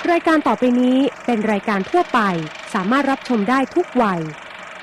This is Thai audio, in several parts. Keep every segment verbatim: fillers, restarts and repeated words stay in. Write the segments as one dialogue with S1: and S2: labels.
S1: รายการต่อไปนี้เป็นรายการทั่วไปสามารถรับชมได้ทุกวัย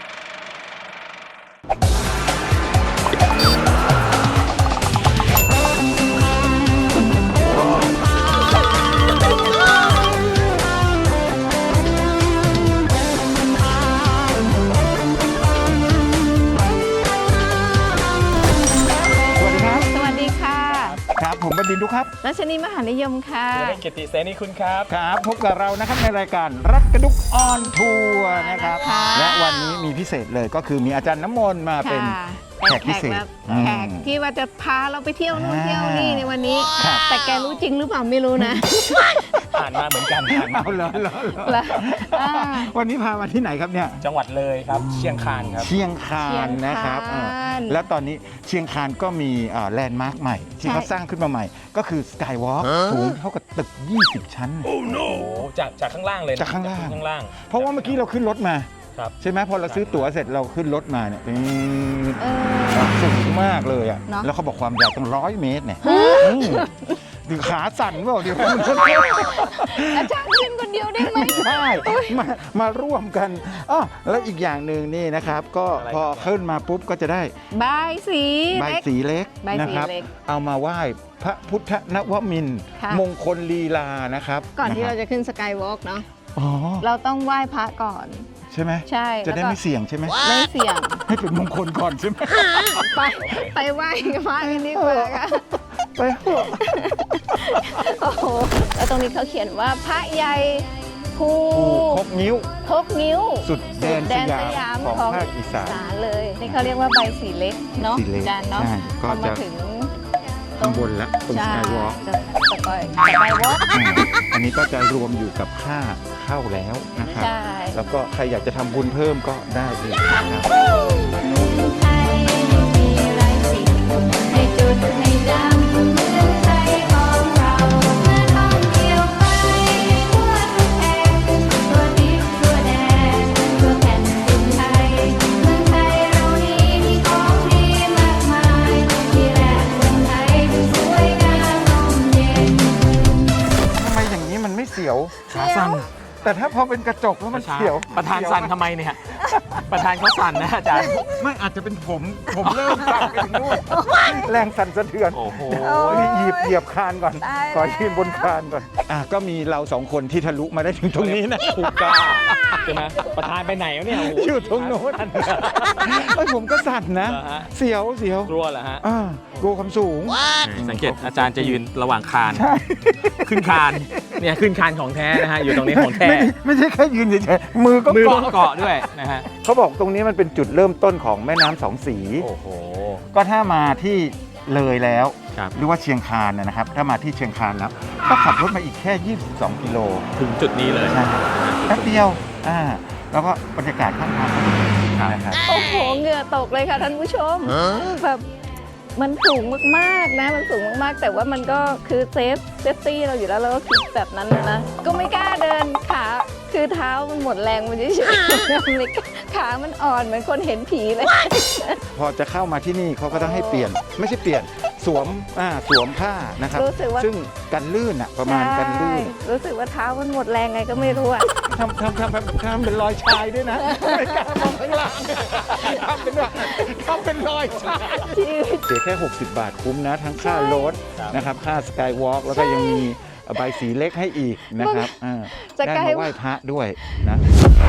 S2: ครับผมบดินทร์ดุครับ
S3: รัชนีมหานิยมค่ะ
S4: เกียรติเสนีคุณครับ
S2: ครับพบกับเรานะครับในรายการรักกระดุกออนทัวร์นะครับและวันนี้มีพิเศษเลยก็คือมีอาจารย์น้ำมนต์มาเป็นแขกพิเศษ
S3: แขกที่ว่าจะพาเราไปเที่ยวนู่นเที่ยวนี่ในวันนี้แต่แกรู้จริงหรือเปล่าไม่รู้นะ
S4: ผ่านมาเหมือนกัน
S2: เอาเลยเลยวันนี้พามาที่ไหนครับเนี่ย
S4: จังหวัดเลยครับเชียงคานครับ
S2: เชียงคานนะครับแล้วตอนนี้เชียงคานก็มีแลนด์มาร์คใหม่ที่เขาสร้างขึ้นมาใหม่ก็คือสกายวอล์กสูงเท่ากับตึกยี่สิบชั้น
S4: โอ้โหจากจากข้างล่างเลย
S2: จากข้างล่าง
S4: ข้างล่าง
S2: เพราะว่าเมื่อกี้เราขึ้นรถมาใช่ไหมพอเราซื้อตั๋วเสร็จเราขึ้นรถมาเนี่ยสูงมากเลยอ่ะแล้วเขาบอกความยาวตั้งร้อยเมตรเนี่ยดูขาสั่นเปล่าเดี๋ยว
S3: อาจารย์ขึ้นคนเดียวได้ไหม
S2: ได้มามาร่วมกันอ๋อแล้วอีกอย่างหนึ่งนี่นะครับก็พอขึ้นมาปุ๊บก็จะได้
S3: ใบสี
S2: ใบสีเล็กนะครับเอามาไหว้พระพุทธนวมินทร์มงคลลีลานะครับ
S3: ก่อนที่เราจะขึ้นสกายวอล์กเนาะเราต้องไหว้พระก่อน
S2: ใช่ไหม
S3: ใช่
S2: จะได้ไม่เสี่ยงใช่ไหม
S3: ไม่เสี่ยง
S2: ให้เป็นมงคลก่อนใช่ไหม
S3: ไปไปไหว้กับพระกันดีกว่าค่ะ
S2: ไป
S3: โอ้โหแล้วตรงนี้เขาเขียนว่าพระใหญ่ภู
S2: คกนิ้ว
S3: คกนิ้ว
S2: สุดแดนสยามของภาคอีสาน
S3: เลยนี่เขาเรียกว่าใบสีเล็กเนาะจานเนาะ
S2: ก็จะถึงข้างบนแล้วตรงสกายวอล์ก
S3: สกายวอล์ก
S2: อันนี้ก็จะรวมอยู่กับค่าเข้าแล้วนะครับแล้วก็ใครอยากจะทำบุญเพิ่มก็ได้เลยนะครับ
S4: ขาสั่น
S2: แต่ถ้าพอเป็นกระจกแล้วมันเสียว
S4: ประธานสั่นทำไมเนี่ยประธานเขาสั่นนะอาจารย์
S2: ไม่อาจจะเป็นผมผมเริ่มสั่นไปถึงนู่นแรงสั่นสะเทือน
S4: โอ้โห
S2: นี่หยิบเหยียบคานก่อนขอยืนบนคานก่อนอ่ะก็มีเราสองคนที่ทะลุมาได้ถึงตรงนี้นะ
S4: ถูกกล้าใช่ไหมประธานไปไหนวะเนี่ย
S2: อยู่ตรงโน้นไอ้ผมก็สั่นนะเสียวเสียว
S4: กลัวเหรอฮะ
S2: กลัวความสูง
S4: สังเกตอาจารย์จะยืนระหว่างคานขึ้นคานเนี่ยขึ้นคานของแท้นะฮะอยู่ตรงนี้ของแท้
S2: ไม่ใช่แค่ยืนเฉยๆมือก็
S4: มือก็เกาะด้วยนะฮะ
S2: เขาบอกตรงนี้มันเป็นจุดเริ่มต้นของแม่น้ำสองสี
S4: โอ้โห
S2: ก็ถ้ามาที่เลยแล้วหรือว่าเชียงคานนะครับถ้ามาที่เชียงคานแล้วก็ขับรถมาอีกแค่ยี่สิบสองกิโล
S4: ถึงจุดนี้เลย
S2: แป๊บเดียวอ่าแล้วก็บรรยากาศข้างทางก็ดี
S3: นะครับโอ้โหเหงื่อตกเลยค่ะท่านผู้ชมแบบมันสูงมากๆนะมันสูงมากๆแต่ว่ามันก็คือเซฟเซฟตี้เราอยู่แล้วเราก็คิดแบบนั้นนะก็ไม่กล้าเดินขาคือเท้ามันหมดแรงมันเฉยๆขามันอ่อนเหมือนคนเห็นผีเลย
S2: พอจะเข้ามาที่นี่เขาก็ต้องให้เปลี่ยนไม่ใช่เปลี่ยนสวมอ่าสวมผ้านะครับซึ่งกันลื่นอ่ะประมาณกันลื่น
S3: รู้สึกว่าเท้ามันหมดแรงไงก็ไม่รู้อ่ะ
S2: ทำทำทำทำเป็นรอยชายด้วยนะไม่กล้ามองข้างล่างทำเป็นว่าทำเป็นรอยชายเสียแค่หกสิบบาทคุ้มนะทั้งค่ารถนะครับค่าสกายวอล์กแล้วก็ยังมีใบสีเล็กให้อีกนะครับได้มาไหว้พระด้วยนะ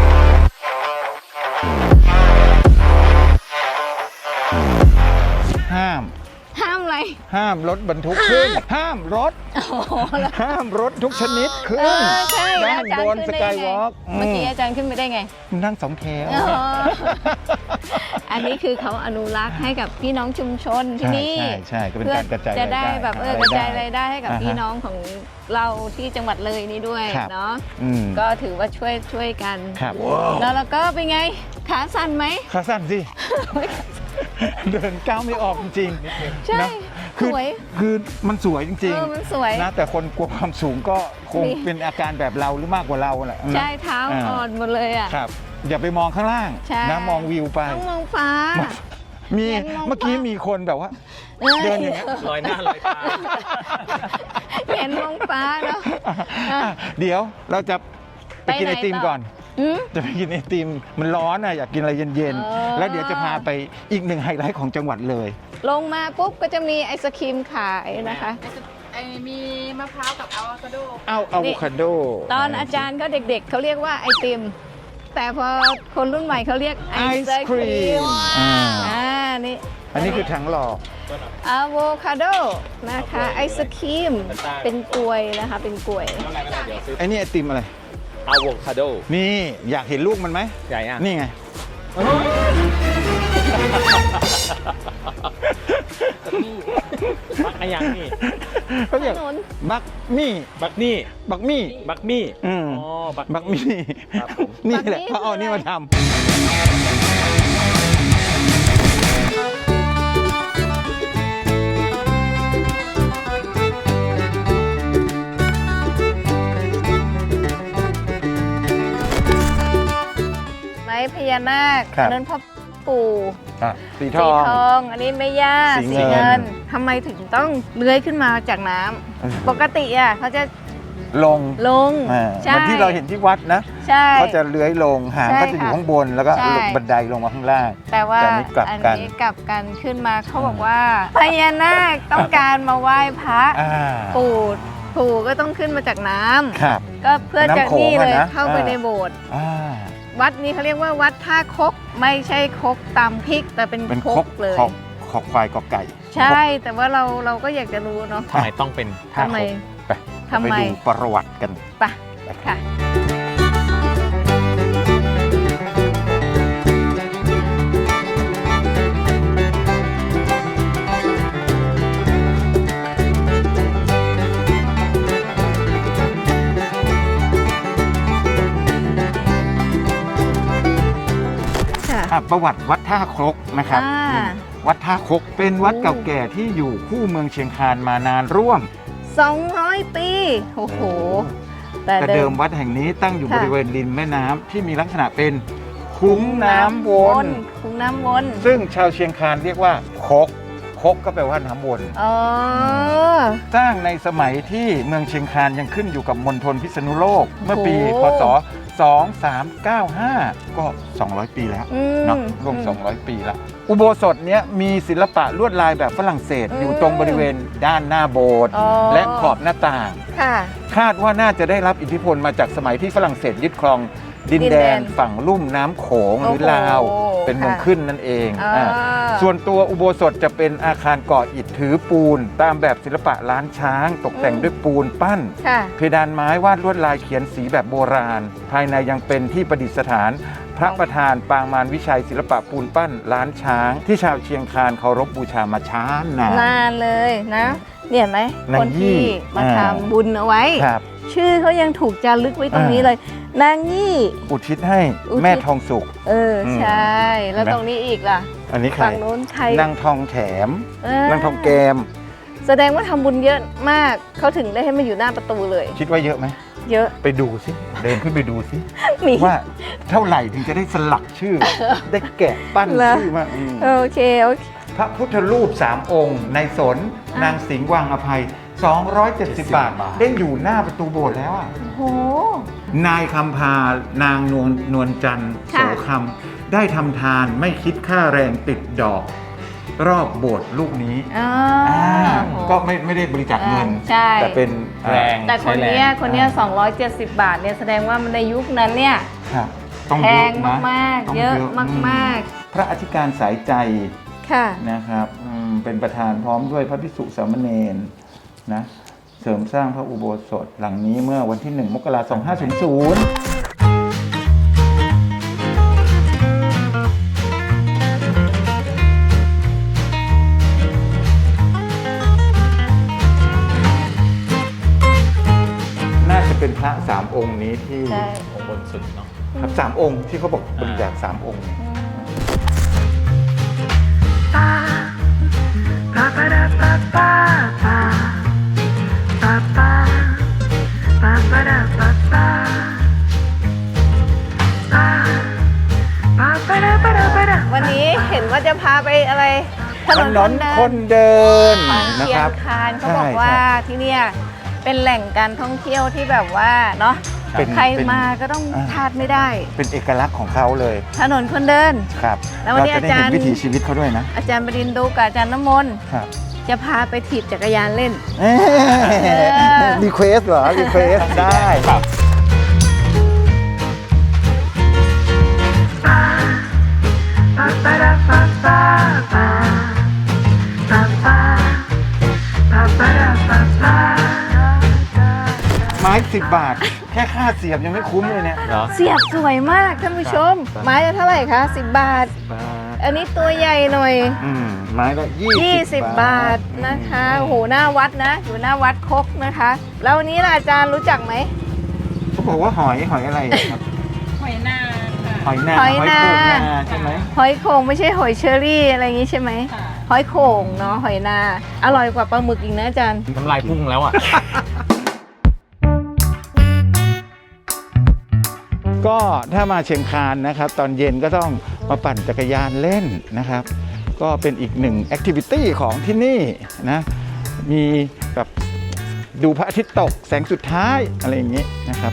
S2: ห้าม
S3: ห้ามอะไร
S2: ห้ามรถบรรทุกขึ้นห้ามรถห้ามรถทุกชนิดขึ้นด้านบนสกายวอล์ก
S3: เมื่อกี้อาจารย์ขึ้นไปได้ไง
S2: นั่งสองแถว
S3: อันนี้คือเขาอนุรักษ์ให้กับพี่น้องชุมชนที่นี่
S2: ใช่ใช่ก็เป็นการกระจาย
S3: จะได้แบบเออกระจายรายได้ให้กับพี่น้องของเราที่จังหวัดเลยนี่ด้วยเนาะก็ถือว่าช่วยช่วยกันแล้วเราก็เป็นไงขาสั่นไหม
S2: ขาสั่นสิเดินก้าวไม่ออกจริง
S3: ๆใช่สวย
S2: คือมันสวยจริง
S3: ๆมันสวย
S2: นะแต่คนกลัวความสูงก็คงเป็นอาการแบบเราหรือมากกว่าเราแหละ
S3: ใช่เท้าอ่อนหมดเลยอ่ะ
S2: ครับอย่าไปมองข้างล่างนะมองวิวไป
S3: ต้องมองฟ้า
S2: มีเมื่อกี้มีคนแบบว่าเดินอย่างเงี้ย
S4: ลอยหน้าลอยตา
S3: เห็นมองฟ้าเนาะ
S2: อ่ะเดี๋ยวเราจะไปกิน
S3: ไป
S2: ไอ
S3: ไหน
S2: ติม
S3: ต่อ
S2: ก่อน
S3: อืม
S2: จะไปกินไอติมมันร้อนอ่ะอยากกินอะไรเย็น
S3: อ๋อ
S2: ๆ แล้วเดี๋ยวจะพาไปอีกหนึ่งไฮไลท์ของจังหวัดเลย
S3: ลงมาปุ๊บก็จะมีไอศครีมขายนะคะ
S5: ไอ้มีมะพร้าวกับอะโวคาโด
S2: เอาอะโวคาโด
S3: ตอนอาจารย์ก็เด็กๆเขาเรียกว่าไอติม แต่พอคนรุ่นใหม่เขาเรียกไอ
S2: ไอ
S3: ศ
S2: ศ
S3: ค
S2: ค
S3: รี
S2: รี
S3: ม
S2: มอ่า
S3: อ่านี่
S2: อันนี้คือถังหลอก
S3: อะโวคาโดนะคะไอศครีมเป็นกล้วยนะคะเป็นกล้วย
S2: ไอ้นี่ไอติมอะไร
S4: อะโวคาโด
S2: นี่อยากเห็นลูกมันไหม
S4: ใหญ่อ่ะ
S2: นี่ไง
S4: บักอะไรยังนี่
S2: เขาเรียก
S3: ถนน
S2: บักมี่
S4: บักนี่
S2: บักมี่
S4: บักมี่
S2: อืม
S4: อ๋อบัก
S2: บักมี่
S4: ครับผม
S2: นี่แหละ
S3: บักมี่
S2: เขาเอา
S3: คืออะไร
S2: นี่มาทำ
S3: ไม้พญานาค
S2: ครับ
S3: อันนั้นพ่อปู่
S2: อ่ะสีท
S3: สี
S2: อง
S3: ทอง อันนี้แม่ย่า
S2: สีเงิน
S3: ทำไมถึงต้องเลื้อยขึ้นมาจากน้ำปกติอ่ะเขาจะ
S2: ลง
S3: ลง
S2: อ่า
S3: ใช่
S2: เหมือนที่เราเห็นที่วัดนะ
S3: ใช่
S2: เขาจะเลื้อยลงหาง
S3: ใช่
S2: ก็จะอยู่
S3: ค่ะ
S2: ข้างบนแล้วก็
S3: ใช่
S2: ลงบันไดลงมาข้างล่าง
S3: แต่ว่า
S2: แต่อันนี้กลับ
S3: อัน
S2: กัน
S3: นี้กลับกันขึ้นมาเขาบอกว่าพญานาคต้องการมาไหว้พระ
S2: อ่า
S3: ปู่ปู่ก็ต้องขึ้นมาจากน้ำ
S2: ครับ
S3: ก็เพื่อจะ
S2: น้ำโขง
S3: นี่เลย
S2: อะนะ
S3: เข้าไป
S2: อ่า
S3: ในโบสถ์
S2: อ่า
S3: วัดนี้เขาเรียกว่าวัดท่าคกไม่ใช่คกตำพริก แต่เป็น
S2: เป็น
S3: ค
S2: ค
S3: ก
S2: ก
S3: เลย
S2: คอกคอกควายกอไก่
S3: ใช่ แต่ว่าเราเราก็อยากจะรู้เนาะ
S4: ทำไมต้องเป็นท่า
S3: ทำไม
S4: คก
S2: ไป
S3: ทำไม
S2: ไปดูประวัติกัน
S3: ไปค่ะ ค่ะ
S2: อ่ะประวัติวัดท่าครกนะครับ
S3: อ่า
S2: อืมวัดท่าครกเป็นวัดเก่าแก่ที่อยู่คู่เมืองเชียงคานมานานร่วม
S3: สองร้อยปี โอ้โห แต่
S2: แต่
S3: เดิ
S2: เดิ
S3: ม
S2: มวัดแห่งนี้ตั้งอยู่
S3: ค่ะ
S2: บริเวณริมแม่น้ำที่มีลักษณะเป็นคุ้งน้ำวน
S3: คุ้งน้ำวน
S2: ซึ่งชาวเชียงคานเรียกว่าคกคกก็แปลว่าน้ำวน
S3: อ๋อ
S2: สร้างในสมัยที่เมืองเชียงคานยังขึ้นอยู่กับมณฑลพิษณุโลก เมื่อปี
S3: โอ้
S2: พศ สองสามเก้าห้า ก็ สองร้อย ปีแล้ว
S3: อืม
S2: เนาะร่วม สองร้อย ปีแล้ว อุโบสถเนี้ยมีศิลปะลวดลายแบบฝรั่งเศส
S3: อืม
S2: อยู่ตรงบริเวณด้านหน้าโบสถ์
S3: อ๋อ
S2: และขอบหน้าต่าง
S3: ค่ะ
S2: คาดว่าน่าจะได้รับอิทธิพลมาจากสมัยที่ฝรั่งเศสยึดครองดิน
S3: ดิน
S2: แด
S3: แด
S2: น
S3: น
S2: ฝั่งลุ่มน้ำโขงหรือ
S3: โอ้โห
S2: ลาว เป็นเมือง
S3: ค่ะ
S2: ขึ้นนั่นเอง
S3: อ่า
S2: อ่าส่วนตัวอุโบสถจะเป็นอาคารก่ออิฐถือปูน ตามแบบศิลปะล้านช้าง ตกแต่งด้วยปูนปั้น
S3: ค่ะ
S2: เพดานไม้วาดลวดลายเขียนสีแบบโบราณ ภายในยังเป็นที่ประดิษฐาน พระประธานปางมารวิชัยศิลปะปูนปั้นล้านช้าง ที่ชาวเชียงคานเคารพบูชามาช้านาน
S3: นานเลยนะเนี่ยเห็นไหม
S2: นาง
S3: คนที่
S2: ยี่
S3: มา
S2: อ่า
S3: ทำบุญเอาไว้
S2: ครับ
S3: ชื่อเขายังถูกจารึกไว้ตรงนี้
S2: อ่า
S3: เลย นางยี่
S2: อุทิศให้
S3: อุทิศ
S2: แม่ทองสุก
S3: เอออ
S2: ม
S3: ใช่ แล้ว
S2: เห็นไหม
S3: ตรงนี้อีกล่ะ
S2: อันนี้ใคร
S3: ฝั่งโน้นใคร
S2: นางทองแถม
S3: เ
S2: นางทองแกม
S3: แสดงว่าทำบุญเยอะมาก เขาถึงได้ให้มาอยู่หน้าประตูเลย
S2: คิดว่าเยอะไหม
S3: เยอะ
S2: ไปดูสิ เดินขึ้นไปดูสิ
S3: มี
S2: ว่าเท่าไหร่ถึงจะได้สลักชื่อ ได้แกะปั้น
S3: เหรอ
S2: ชื่อมาอืม
S3: โอเคโอเค
S2: พระพุทธรูปสามองค์ ในสน
S3: อ่ะ
S2: นางสิงห์วังอภัย สองร้อยเจ็ดสิบ บาท ได้อยู่หน้าประตูโบสถ์แล้วอ่ะ
S3: โอ้โห
S2: นายคำพานางนวลนวลจันทร์โส
S3: ค่ะ
S2: คำได้ทำทานไม่คิดค่าแรงติดดอก รอบโบสถ์ลูกนี้
S3: อ่า
S2: อ่า
S3: โอ้โห
S2: ก็ไม่ไม่ได้บริจาคเงิน
S3: อ่าใช่
S2: แต่เป็น
S4: แรง
S3: แต่คนเนี้ย
S4: ใช้แรง
S3: คนเนี้ยสองร้อยเจ็ดสิบบาทเนี่ยแสดงว่ามันในยุคนั้นเนี่ย
S2: ครับต้อง
S3: แพ
S2: เย
S3: ง
S2: อะนะ
S3: มาก
S2: ต้ง
S3: ๆ เยอะ
S2: อื
S3: มาก
S2: พระอธิการสายใจ
S3: ๆ ค่ะ
S2: นะครับอืมเป็นประธานพร้อมด้วยพระภิกษุสามเณรนะเสริมสร้างพระอุโบสถหลังนี้เมื่อวันที่หนึ่งมกราคมสองพันห้าร้อยน่าจะเป็นพระสามองค์นี้ที่
S3: ใช่
S4: องค์บนสุดเนาะ
S2: ครับสามองค์ที่เขาบอกบริจาคสามองค์
S3: วันนี้เห็นว่าจะพาไปอะไรถ
S2: ถ
S3: นน
S2: น
S3: คน นเดิ
S2: คน นเดิน
S3: ของ
S2: นะ
S3: เชีย
S2: ครั
S3: ง
S2: บ
S3: คานเขาบอกว่าที่เนี่ยเป็นแหล่งการท่องเที่ยวที่แบบว่าเนาะ
S2: เป็น
S3: ใคร
S2: เป็น
S3: มาก็ต้อง
S2: อ่า
S3: พลาดไม่ได้
S2: เป็นเอกลักษณ์ของเขาเลย
S3: ถนนคนเดิน
S2: ครับ
S3: แล้ววัน
S2: เรา
S3: นี้
S2: จะได้
S3: อาจาร
S2: เห็น
S3: ย์
S2: วิถีชีวิตเขาด้วยนะ
S3: อาจารย์บดินทร์ดูกับอาจารย์น้ำมนต์
S2: ครับ
S3: จะพาไปถีบจักรยานเล่น
S2: เอ๊ะรีเควสเหรอรีเควสได้ ไม้สิบบาท แค่ค่าเสียบยังไม่คุ้มเลยเนี่ย
S4: เหรอ
S3: เสียบสวยมากท่านผู้ชม
S2: ครับ
S3: ไม้ละเท่าไหร่คะสิบบาท
S2: บาท
S3: อันนี้ตัวใหญ่หน่อย
S2: อืมไม้ละยี่
S3: ยี่
S2: สิ
S3: สิ
S2: บ
S3: บบาทนะคะโอ้โหหน้าวัดนะ อยู่หน้าวัดคกนะคะ แล้ววันนี้ล่ะอาจารย์รู้จักไหม
S2: เขาบอกว่าหอยหอยอะไรอะครับ
S5: หอยนางค่ะ
S2: หอยนา
S3: หอยนา
S2: โขงนาใช่ไหม
S3: หอยโข่งไม่ใช่หอยเชอรี่อะไรอย่างงี้ใช่ไหม
S5: ค่ะ
S3: หอยโข่งเนาะหอยนา อร่อยกว่าปลาหมึกอีกนะอาจารย์
S4: น้ำลายพุ่งแล้วอ่ะ
S2: ก็ถ้ามาเชียงคานนะครับ ตอนเย็นก็ต้องมาปั่นจักรยานเล่นนะครับ ก็เป็นอีกหนึ่งแอคทิวิตี้ของที่นี่นะมีแบบดูพระอาทิตย์ตกแสงสุดท้ายอะไรอย่างนี้นะครับ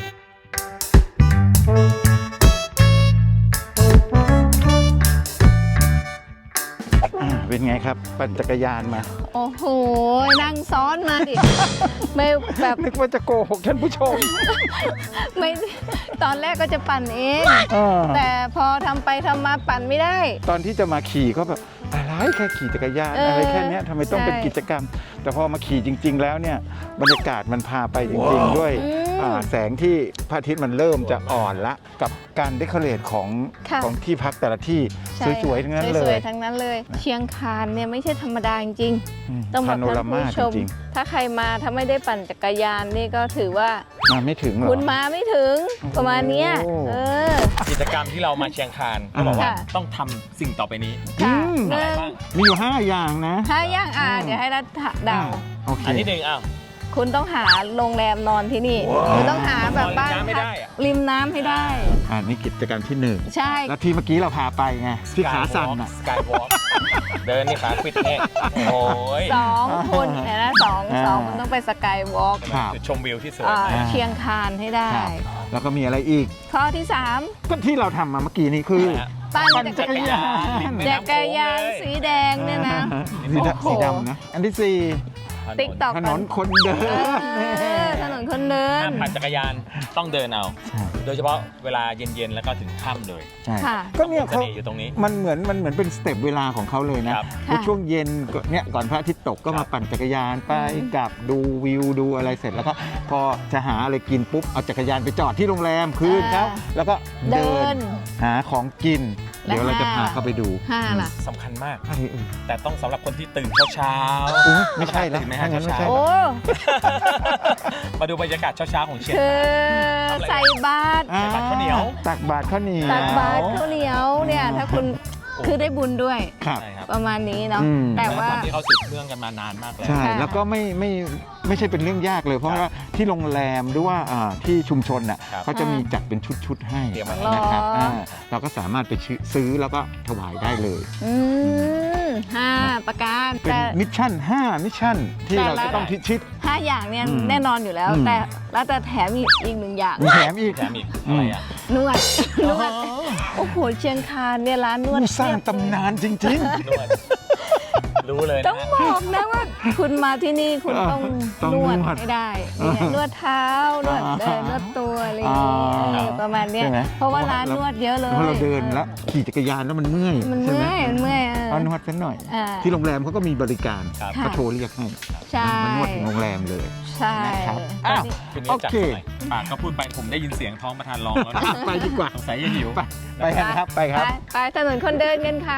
S2: อ่าเป็นไงครับ ปั่นจักรยานมา
S3: โอ้โหนั่งซ้อนมาดิ ไม่แบบ
S2: นึกว่าจะโกหกท่านผู้ชม
S3: ไม่ตอนแรกก็จะปั่นเอง
S2: เออ
S3: แต่พอทำไปทำมาปั่นไม่ได้
S2: ตอนที่จะมาขี่ก็แบบอะไรแค่ขี่จักรยาน
S3: เอออ
S2: อะไรแค่เนี้ยทำไมต้องเป็น
S3: ใช่
S2: กิจกรรม แต่พอมาขี่จริง ๆ แล้วเนี่ยบรรยากาศมันพาไปจริง ๆ ด้วย
S3: อืม
S2: อ่าแสงที่พระอาทิตย์มันเริ่มจะอ่อนละกับการเดคอเรทของ
S3: ค่ะ
S2: ของที่พักแต่ละที่
S3: ใช่
S2: สวยๆทั้งนั้นเล
S3: สวย ยๆทั้งนั้นเลย เชียงคานเนี่ยไม่ใช่ธรรมดาจริงๆต้องบ
S2: พา
S3: อก
S2: โน
S3: ท่า
S2: ราน มา
S3: ผู้ชม
S2: จริง
S3: ถ้าใครมาถ้าไม่ได้ปั่นจักรยานนี่ก็ถือว่า
S2: ๆมาไม่ถึงหรอ
S3: คุณมาไม่ถึงประมาณเนี้ย
S2: โอ้
S3: เออ
S4: กิจกรรมที่เรามาเชียงคานเขาบอกว่า
S3: ค่ะ
S4: ต้องทำสิ่งต่อไปนี้
S3: ค่ะ
S2: อืม
S3: หนึ่ง
S4: บ้าง
S2: มีอยู่ห้าอย่างนะ
S3: ถ้าย่างอ่าเดี๋ยวให้รัฐเดา
S2: อ่าโอเค
S4: อันที่หนึ่งอ้าว
S3: คุณต้องหาโรงแรมนอนที่นี่คุณต้องหาแบบบ้าน
S4: นอนริมน้ำไม่ได้อะ
S3: ริมน้ำให้ได้
S2: อ่านี่กิจกรรมที่หนึ่ง
S3: ใช่
S2: แล้วที่เมื่อกี้เราพาไปไงที่ขาสั่นอ่ะ
S4: สกายวอล์กเดินนี่ขาปิดเนี่ยโอ้ย
S3: สองคนเนี่ยนะสอง
S2: อ่า
S3: สองคุณต้องไปสกายวอล์ก
S2: ครับ
S4: จุดชมวิวที่สวย
S3: อ่า
S4: นะ
S3: เชียงคานให้ได้
S2: ครับแล้วก็มีอะไรอีก
S3: ข้อที่สาม
S2: ก็ที่เราทำมาเมื่อกี้นี้คือ
S3: ปั่น
S2: ปั่น
S3: จั
S2: จั
S3: ก
S2: ก
S3: ร
S2: ร
S3: ยาน
S2: ยาน
S4: ริมแม่
S3: จั
S4: น้ำ
S3: กรยาน
S4: โขงเลย
S3: สีแดงเนี่ยนะ
S2: สีดำ
S3: โอ้โห
S2: สีดำนะ อันที่สี่
S3: ติ๊กต็อก
S2: ถนนคนเดิ
S3: เอน อถนนคนเดิน
S4: ห้ามปั่นจักรยานต้องเดินเอา
S2: ใช่
S4: โดยเฉพาะเวลาเย็นๆ แล้วก็ถึงค่ำเลย
S2: ใช่
S3: ค่ะ
S2: ก็เนี่ย
S4: เส
S2: เขา
S4: น่ห์อยู่ตรงนี้
S2: มันเหมือนมันเหมือนเป็นสเต็ปเวลาของเขาเลยนะครับ ใน
S3: ค่ะ
S2: ช่วงเย็นก็เนี่ยก่อนพระอาทิตย์ตกก็
S4: ครั
S2: มา
S4: บ
S2: ปั่นจักรยานไปกลับดูวิวดูอะไรเสร็จแล้วก็พอจะหาอะไรกินปุ๊บเอาจักรยานไปจอดที่โรงแรมคืนครับแล้วก็
S3: เดิ
S2: เดิ
S3: น
S2: นหาของกิน
S3: และ
S2: เดี๋ยวเราจะ
S3: ห้า
S2: พาเข้าไปดู
S3: ห้าล่ะ
S4: สำคัญมาก
S2: อะไรเอ่ย
S4: แต่ต้องสำหรับคนที่ตื่นเช้า
S2: อุ๊ยไม่ใช่แล้ว
S4: ตื่นไหมฮะ
S2: ถ้างั้นไม่ใช่
S3: โอ้
S4: ๆ มาดูบรรยากาศเช้าๆของเชียง
S3: คือ
S4: ทำอะไร
S3: ใส่บาตร
S2: อ่
S4: ตักข้าวเหนียว
S2: ตักบาตรข้าวเหนียว
S3: ตักบาตรข้าวเหนียวเนี่ย ถ้าคุณคือได้บุญด้วย
S2: ครับ
S4: ใช่ครับ
S3: ประมาณนี้เนาะ
S2: อืม
S3: แต่ว่า
S4: ความที่เขาสืบเรื่องกันมานานมากแล้ว
S2: ใช่
S3: ค่ะ
S2: แล้วก็ไม่ไม่ไม่ใช่เป็นเรื่องยากเลย เพราะว่าที่โรงแรมหรือว่าอ่าที่ชุมชนน่ะ
S4: ครับ
S2: เขาจะมีจัดเป็นชุดๆให้
S4: เตรียมไว้
S2: นะครับ
S3: อ๋ออ่
S2: าเราก็สามารถไปซื้อแล้วก็ถวายได้เลย
S3: อืมห้าประการ
S2: เป็น
S3: แต่
S2: มิชชั่นห้ามิชชั่นที่
S3: แต่
S2: เรา
S3: ละ
S2: จะต้องพิชิต
S3: ห้าอย่างเนี่ย
S2: อืม
S3: แน่นอนอยู่แล้ว
S2: อืม
S3: แต่แล้วแต่แถมอีกอีกหนึ่งอย่าง
S2: มีแถมอีก
S4: แถมอีกอะไรอ่ะ
S3: นวด นวด โอ้โห เชียงคานเนี่ยร้านนวด
S2: ผู้สร้างตำนานจริง
S4: นวด รู้เลย
S3: ต้
S4: นะ
S3: อง
S4: ฮะ
S3: บอกนะว่า คุณมาที่นี่คุณต้อง
S2: ต้อง
S3: นวด
S2: นวด
S3: ให้ได้เนี่ยนวดเท้านวดเดินนวดตัวอะไรอย่างเงี้ย
S2: อ่า
S3: เออประมาณเนี้ย
S2: ใช่ไหม
S3: เพราะว่าร้านนวดเยอะเลย
S2: เพราะเราเดินแล้วขี่จักรยานแล้วมันเมื่อย
S3: มัน
S2: ใช่ไห
S3: เมื่อยมันเมื่อยเออ
S2: เอานวดสักหน่อย
S3: อ่า
S2: ที่โรงแรมเขาก็มีบริการ
S4: ครับ
S3: ค่ะ
S2: ก็โทรเรียกให้
S3: ใช่
S2: มานวดถึงโรงแรมเลย
S3: ใช่
S2: นะครับ
S3: อัน
S2: อ้าว
S3: นี้
S4: คุณ
S2: โอ
S4: นี่จัด
S2: เค
S4: หน่อยปากก็พูดไปผมได้ยินเสียงท้องประธานร้องแล้วนะ
S2: ไปดีกว่า
S4: สงสัยจะหิว
S2: ไปไปกันครับไปครับ
S3: ไปไปถนนคนเดินกันค่ะ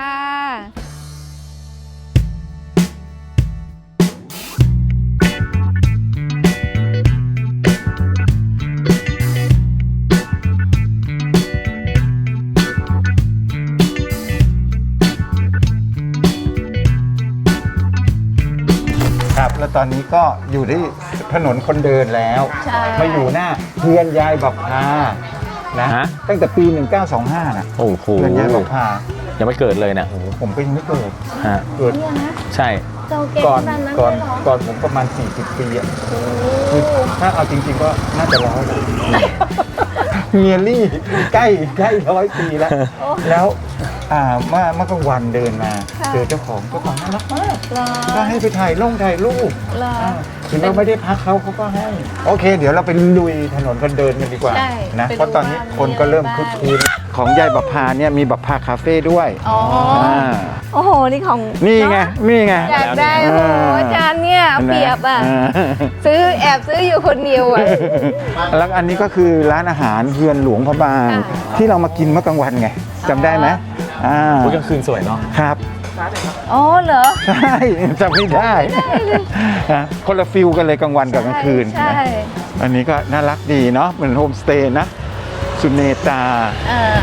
S2: ครับแล้วตอนนี้ก็อยู่ที่ถนนคนเดินแล้ว
S3: ใช่
S2: มาอยู่หน้าเฮือนยายบับพานะ
S4: ฮะ
S2: ตั้งแต่ปี หนึ่งเก้าสองห้านะ
S4: โอ้โห
S2: เฮือนยายบับพา
S4: ยังไม่เกิดเลยนะ
S2: โอ้โหผมก็ยังไม่เกิด
S4: ฮะ
S2: เกิด
S4: ใช่
S3: เก่าแก่
S2: ก่อน
S3: ขนาดนั้น
S2: ก่อน
S3: เลยเหรอ
S2: ก่อนผมประมาณ สี่สิบ ปีอ่ะ
S3: โอ้
S2: คือถ้าเอาจริงๆก็น่าจะร้อยแล้วเมียรี่ใกล้ใกล้ร้อยปีแล้ว แล้วอ่าเมื่อเมื่อกลางวันเดินมา เจอเจ้าของเจ้าของน่ารักมาก
S3: เหรอ
S2: ก็ให้ไปถ่ายลงถ่ายรูป
S3: เหรอ
S2: อ่าถึงเราไม่ได้พักเขาเขาก็ให้ โอเค เดี๋ยวเราไปลุยถนนกันเดินกันดีกว่า
S3: ใช่
S2: นะ
S3: ไปดู
S2: เพราะตอนนี้
S3: ว่า
S2: คนก็เริ่ม
S3: มี
S2: คึ
S3: อะไร
S2: ก
S3: บ้าง
S2: คืนของยายบัพพาเนี่ยมีบัพพาคาเฟ่ด้วย
S3: อ๋ออา โอ้โห นี่ของ
S2: นี่ไง นี่ไง
S3: อยากได้โอ้โหอาจารย์เนี่ยเอาเปรียบอ่ะ
S2: อ่า
S3: ซื้อแอบซื้ออยู่คนเดียวอ่ะ
S2: แล้วอันนี้ก็คือร้านอาหารเฮือนหลวงพระบาง
S3: ค่ะ
S2: ที่เรามากินเมื่อกลางวันไงจำได้ไหมอ่า
S4: อุ๊ยกลางคืนสวยเนาะ
S2: ครับ
S3: อ๋อเหรอ
S2: ใช่จำไม่ได้นะคนละฟิลกันเลยกลางวันกับกลางคืน
S3: ใช่
S2: นะอันนี้ก็น่ารักดีเนาะเหมือนโฮมสเตย์นะ สุเนตา
S3: เออ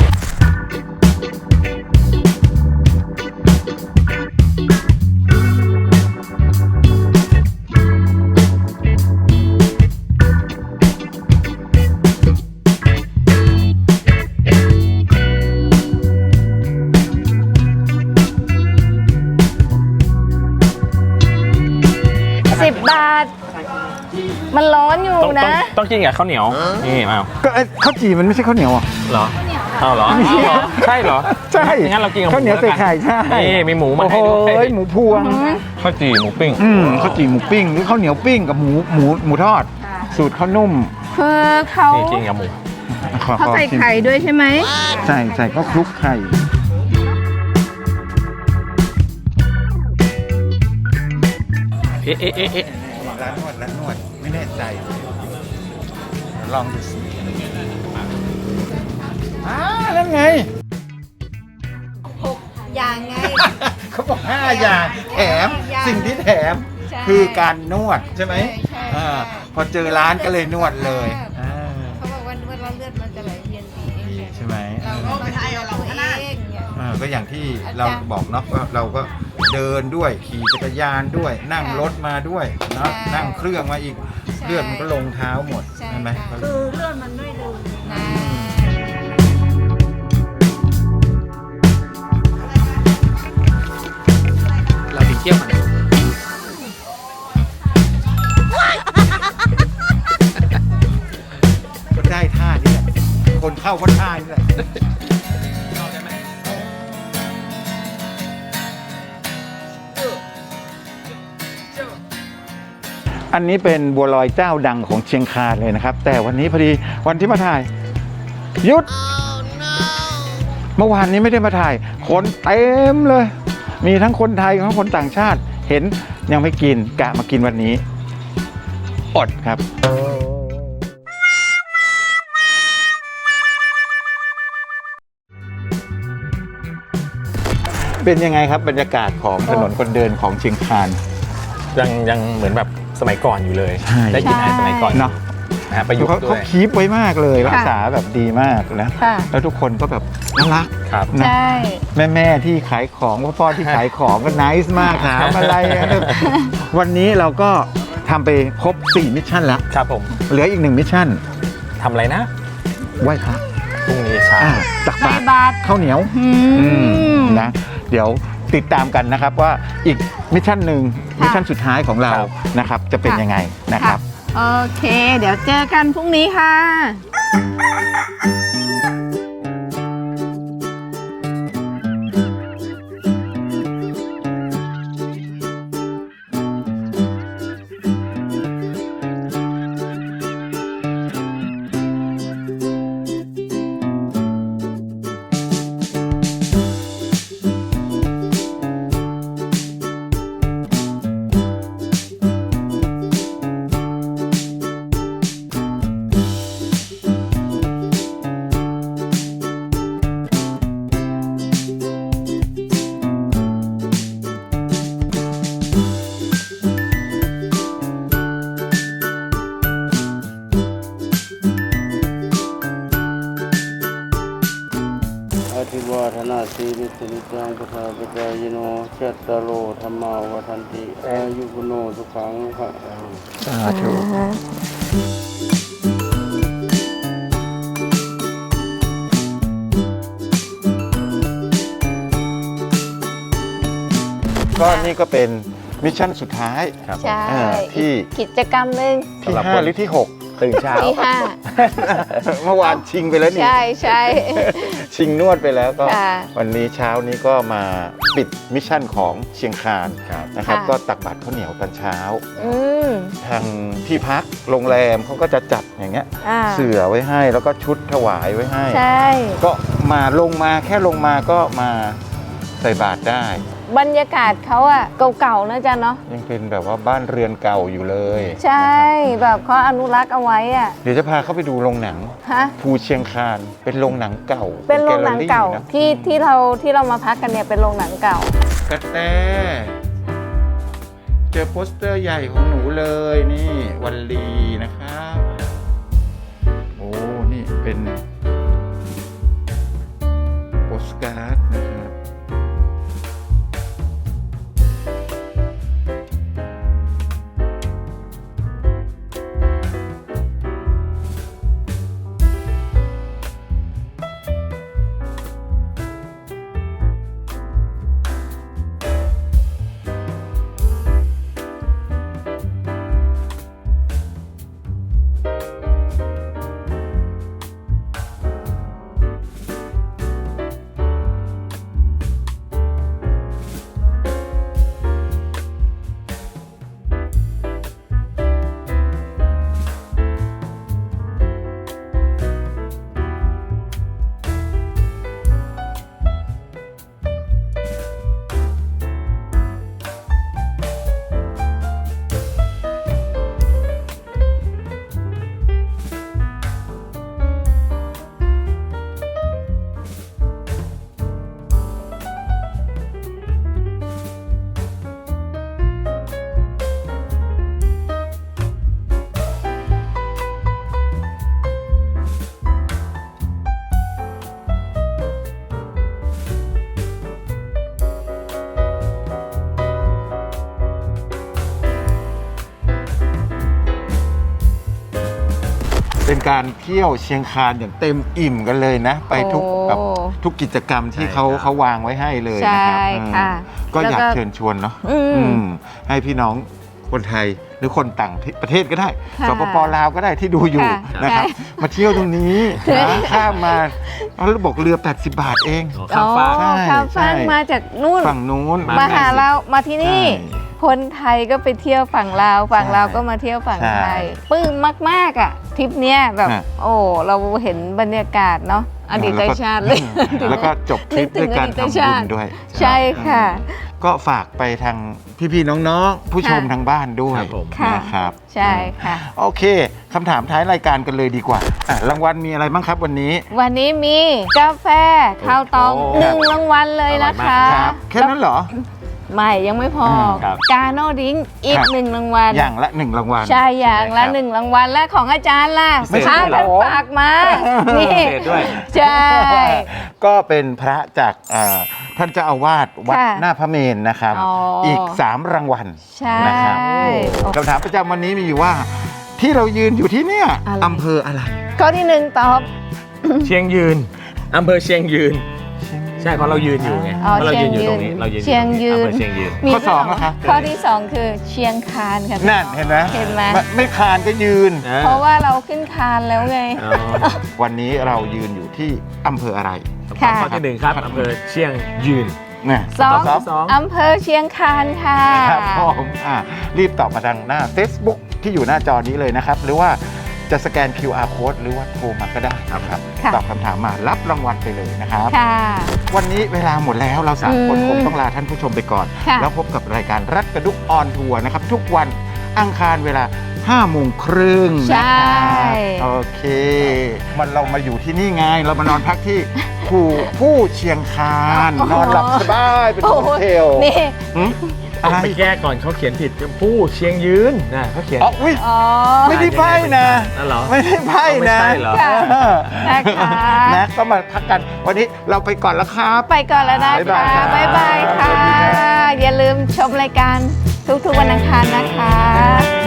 S3: สิบบาท มันร้อนอยู่
S4: ต้องต้อง
S3: นะ
S4: ต้องกินกับข้าวเหนียว นี่มา
S2: ก็ไอ้ข้าวจี่มันไม่ใช่ข้าวเหนียวอ่ะ
S4: เหรอเอาเหรอเอาเหรอ ใช่เหรอ
S2: ใช่
S4: งั้นเรากินกับ
S2: ข้าวเหนียว
S4: มู
S2: ใส่
S4: แล้วกั
S2: ไข่ใช่
S4: นี่มีหมูมา
S2: โอ้โห
S4: ให้ด้วย
S2: หมูพวง
S4: ข้าวจี่หมูปิ้ง
S2: อืมข้าวจี่หมูปิ้งหรือข้าวเหนียวปิ้งกับหมูหมูหมูทอด สูตรข้าวนุ่ม
S3: คือเขา
S4: นี่กินกับหมู
S2: ขอ
S3: เขา
S2: ขอ
S3: ใส่
S2: ชิม
S3: ไข่ด้วยใช่ไหม
S2: ใส่ใส่ก็คลุกไข่
S4: เอ๊ะเอ๊ะเอ๊ะเอ๊ะ
S2: ร้านนวดร้านนวดไม่แน่ใจ ลองดูสิอ่านั่นไง
S3: อย่างไง
S2: เขาบอกห้าอย่างแถม
S3: ห้าอย่าง
S2: สิ่งที่แถม
S3: ใช่
S2: คือการนวดใช่ไหม
S3: ใช่
S2: อ่าพอเจอร้านก็เลยนวดเลยอ่า
S3: เขาบอกว่านวดแล้วเลือดมันจะไหลเวียนดี
S2: ดีใช่ไหม
S3: เราก็มาทายเอาตัวเองเนี่ย
S2: อ่าก็อย่างที่เราบอกเนาะว่าเราก็เดินด้วยขี่จักรยานด้วย นั่งรถมาด้วยเนาะ
S3: ใช่
S2: นั่งเครื่องมาอีก
S3: ใช่
S2: เลือดมันก็ลงเท้าหมด
S3: ใช่
S2: ใช่ไหม
S3: ค่ะ
S2: ก็
S3: คือเลือดมันไม่ลงนะ
S4: เราไปเที่ยวกัน
S2: ก็ได้ท่านี่แหละคนเข้าก็ท่านี่แหละ อันนี้เป็นบัวลอยเจ้าดังของเชียงคานเลยนะครับ แต่วันนี้พอดีวันที่มาถ่ายหยุด เมื่อวานนี้ไม่ได้มาถ่าย คนเต็มเลย มีทั้งคนไทยทั้งคนต่างชาติ เห็นยังไม่กินกะมากินวันนี้ อดครับ เป็นยังไงครับบรรยากาศของถนนคนเดินของเชียงคาน
S4: ยังยังเหมือนแบบสมัยก่อนอยู่เลย
S2: ใช่
S4: ได้กินอาหารสมัยก่อน
S2: เนาะ
S4: นะฮะประยุก
S2: เขา
S4: ต์ด้
S2: เขา
S4: วย
S2: คีปไว้มากเลยรักษาแบบดีมากนะ
S3: ค่ะ
S2: แล้วทุกคนก็แบบน่ารัก
S4: ครับ
S2: นะ
S3: ใช่
S2: แม่แม่ๆที่ขายของพ่อพ่อที่ขายของก็ไนส์มากถามอะไรอะวันนี้เราก็ทำไปครบสี่มิชชั่นแล้ว
S4: ครับผม
S2: เหลืออีกหนึ่งมิชชั่น
S4: ทำอะไรนะ
S2: ไหว้พระ
S4: พรุ่งนี้เช้า
S2: อ่าตัก
S3: ใส่
S2: บาตร
S3: บาตร
S2: ข้าวเหนียว
S3: อื
S2: อืม
S3: ม
S2: นะเดี๋ยวติดตามกันนะครับว่าอีกมิชชั่นหนึ่ง
S3: ค่ะ
S2: มิชชั่นสุดท้ายของเรา
S4: ครับ
S2: นะครับ จะเป็น
S3: ค่ะ
S2: ยังไงนะครับ
S3: โอเค เดี๋ยวเจอกันพรุ่งนี้ค่ะ
S6: อธิวาทนาสีริสนิจังพุทธาปจายโนจัตตารโอธรรมาวัฏันติอายุกุโนสุขังภะลัง
S2: สาธุ ก็นี่ก็เป็นมิชชั่นสุดท้าย
S3: ใช่
S2: อ่าที่
S3: กิจกรรมหนึ่ง
S2: ที่ห้าหรือที่หก
S4: ตื่นเช้า
S3: ที่ห้า
S2: เมื่อวานชิงไปแล้วนี่
S3: ใช่ใช่
S2: ชิงนวดไปแล้วก็
S3: ค่ะ
S2: วันนี้เช้านี้ก็มาปิดมิชชั่นของเชียงคานนะครับ
S3: ค่ะ
S2: ก็ตักบาตรข้าวเหนียวตอนเช้า
S3: อืม
S2: ทางที่พักโรงแรมเขาก็จะจัดอย่างเงี้ย
S3: อ่า
S2: เสื่อไว้ให้แล้วก็ชุดถวายไว้ให้
S3: ใช่
S2: ก็มาลงมาแค่ลงมาก็มาใส่บาตรได้
S3: บรรยากาศเขาอะเก่าๆนะจ๊ะเนาะ
S2: ยังเป็นแบบว่าบ้านเรือนเก่าอยู่เลย
S3: ใช่
S2: นะครับ
S3: แบบเขาอนุรักษ์เอาไว้อะ
S2: เดี๋ยวจะพาเข้าไปดูโรงหนัง
S3: ฮะ
S2: ภูเชียงคานเป็นโรงหนังเก่า
S3: เป็นโรงหนังเก่า
S2: แลลลี่นะ
S3: ที่ที่เราที่เรามาพักกันเนี่ยเป็นโรงหนังเก่า
S2: กระแตเจอโปสเตอร์ใหญ่ของหนูเลยนี่วันลีนะครับโอ้นี่เป็นโปสการ์ดนะครับ เป็นการเที่ยวเชียงคานอย่างเต็มอิ่มกันเลยนะ ไปทุก
S3: โอ้
S2: แบบทุกกิจกรรมที่เขา
S4: ใช่ครับ
S2: เขาวางไว้ให้เลย
S3: ใช่
S2: นะครับ
S3: ค่ะ
S2: อืมก็อยาก
S3: แล้วก็
S2: เชิญชวนเนาะ
S3: อืม
S2: อืมให้พี่น้องคนไทยหรือคนต่างประเทศก็ได้
S3: ค่ะ
S2: สปปลาวก็ได้ที่ดูอยู่
S3: ค่ะ
S2: นะครับ
S3: ใช่
S2: มาเที่ยวตรงนี้นะข้ามมาเอาแล้วบอกเรือ แปดสิบบาทเอง
S4: อ๋อข้ามฟาก
S3: อ๋อข้ามฟาก
S2: ใช่
S3: มาจากนู่น
S2: ฝั่งนู้น
S4: มา
S3: มาหาเรามาที่นี่
S2: ใช่
S3: คนไทยก็ไปเที่ยวฝั่งลาวฝั่ง
S2: ใช่
S3: ลาวก็มาเที่ยวฝั่ง
S2: ใช่
S3: ไทยปลื้มมากๆอ่ะทริปเนี้ยแบบ
S2: ฮะ
S3: โอ้เราเห็นบรรยากาศเนาะอดีตชาติเลย
S2: แล้วก็จบทริปด้วยการ
S3: นึกถึงอดีต
S2: ทำ
S3: ชา
S2: บุ
S3: ติ
S2: ญด้วย
S3: ใช่ค่ะ
S2: ก็ฝากไปทางพี่ๆน้องๆ ผู้ชม
S3: ค่ะ
S2: ทางบ้านด้วย
S4: ครับผม
S3: ค่ะ
S2: นะครับ
S3: ใช่ค่ะ
S2: โอเคคำถามท้ายรายการกันเลยดีกว่าอ่ะรางวัลมีอะไรบ้างครับวันนี้
S3: วันนี้มีกาแฟข้าวตอง
S4: โอ้
S3: หนึ่งรางวัลเลยนะคะ
S2: ครับแค่นั้นเหรอ
S3: ไม่ยังไม่พอ
S2: ม
S4: ครับ
S3: กาโนดริงก์อีก
S2: ครับ
S3: หนึ่งรางวัล
S2: อย่างละหนึ่งรางวัล
S3: ใช่อย่างละ
S4: ใช่ครับ
S3: หนึ่งรางวัลและของอาจารย์ล่ะ
S2: ไม่
S3: พระ
S2: ใช่เหรอ
S3: ท่านฝากมา นี่
S4: พิเศษด้วย
S3: ใช่
S2: ก็เป็นพระจากอ่าท่านเจ้าอาวาสวัด
S3: ค่ะ
S2: หน้าพระเมรุนะครับ
S3: อ๋ออี
S2: อีกสามรางวัล
S3: ใช่
S2: นะครับ
S3: โอ้
S2: คำถามประจำวันนี้มีอยู่ว่า ที่เรายืนอยู่ที่เนี่ย
S3: อะไร
S2: อำเภออะไร
S3: ข้อที่หนึ่งตอบ
S4: เชียงยืนอำเภอเชียงยืน ใช่เพราะเรายืนอยู่ไง
S3: อ๋อ
S4: เพราะเรายืนอยู่ตรงนี้
S3: เชียงยืน
S4: เรายืนอ
S3: เชียงยืน
S4: อำเภอเชียงยืน
S2: ข้อสองนะคะ
S3: ข้อที่สองคือเชียงคานค่ะ
S2: นั่นเห็นไหม
S3: เห็นไหม
S2: ไม่ไม่คานก็ยืน
S3: เพราะว่าเราขึ้นคานแล้วไง
S4: อ๋อ
S2: วันนี้เรายืนอยู่ที่อำเภออะไร
S3: ค่ะ
S4: ข้อที่หนึ่งครับอำเภอเชียงยืน
S2: เนี่ย
S3: สอง
S2: ตอบ
S4: สอง
S3: อำเภอเชียงคานค่ะ
S2: ครับผมอ่ะรีบตอบมาทางหน้า Facebook ที่อยู่หน้าจอนี้เลยนะครับ หรือว่าจะสแกน คิว อาร์ Code หรือว่าโทรมาก็ได้นะครับ
S3: ค่ะ
S2: ตอบคำถามมารับรางวัลไปเลยนะครับ
S3: ค่ะ
S2: วันนี้เวลาหมดแล้วเราสามคน
S3: อืม
S2: คงต้องลาท่านผู้ชมไปก่อน
S3: ค่ะ
S2: แล้วพบกับรายการรัดกระดุกออนทัวร์นะครับ ทุกวันอังคารเวลาห้าโมงครึ่ง
S3: ใช่
S2: นะครับโอเค มันเรามาอยู่ที่นี่ไง เรามานอนพักที่ ผู้ผู้เชียงคานนอนหลับสบายเป็นโฮเทล
S3: นี่
S2: หึอะไร
S4: ไปแก้ก่อนเขาเขียนผิดผู้เชียงยืนนะเขาเขียน
S2: อ๋ออุ้ย
S3: อ๋อ
S2: ไม่ได้ไพ่นะ
S4: นั่นเหรอ
S2: ไม่ได้ไพ่นะ
S4: ไม่ใช่เหรอ
S3: ค่ะ
S2: เออ
S3: นะคะ
S2: นะก็มาพักกัน วันนี้เราไปก่อนแล้วครับ
S3: ไปก่อนแล้วนะ
S2: บ๊าย
S3: คะ
S2: บายครับ
S3: บ๊ายบายค่ะ
S2: สวัสดีครับ
S3: อย่าลืมชมรายการทุกๆวันอังคารนะคะ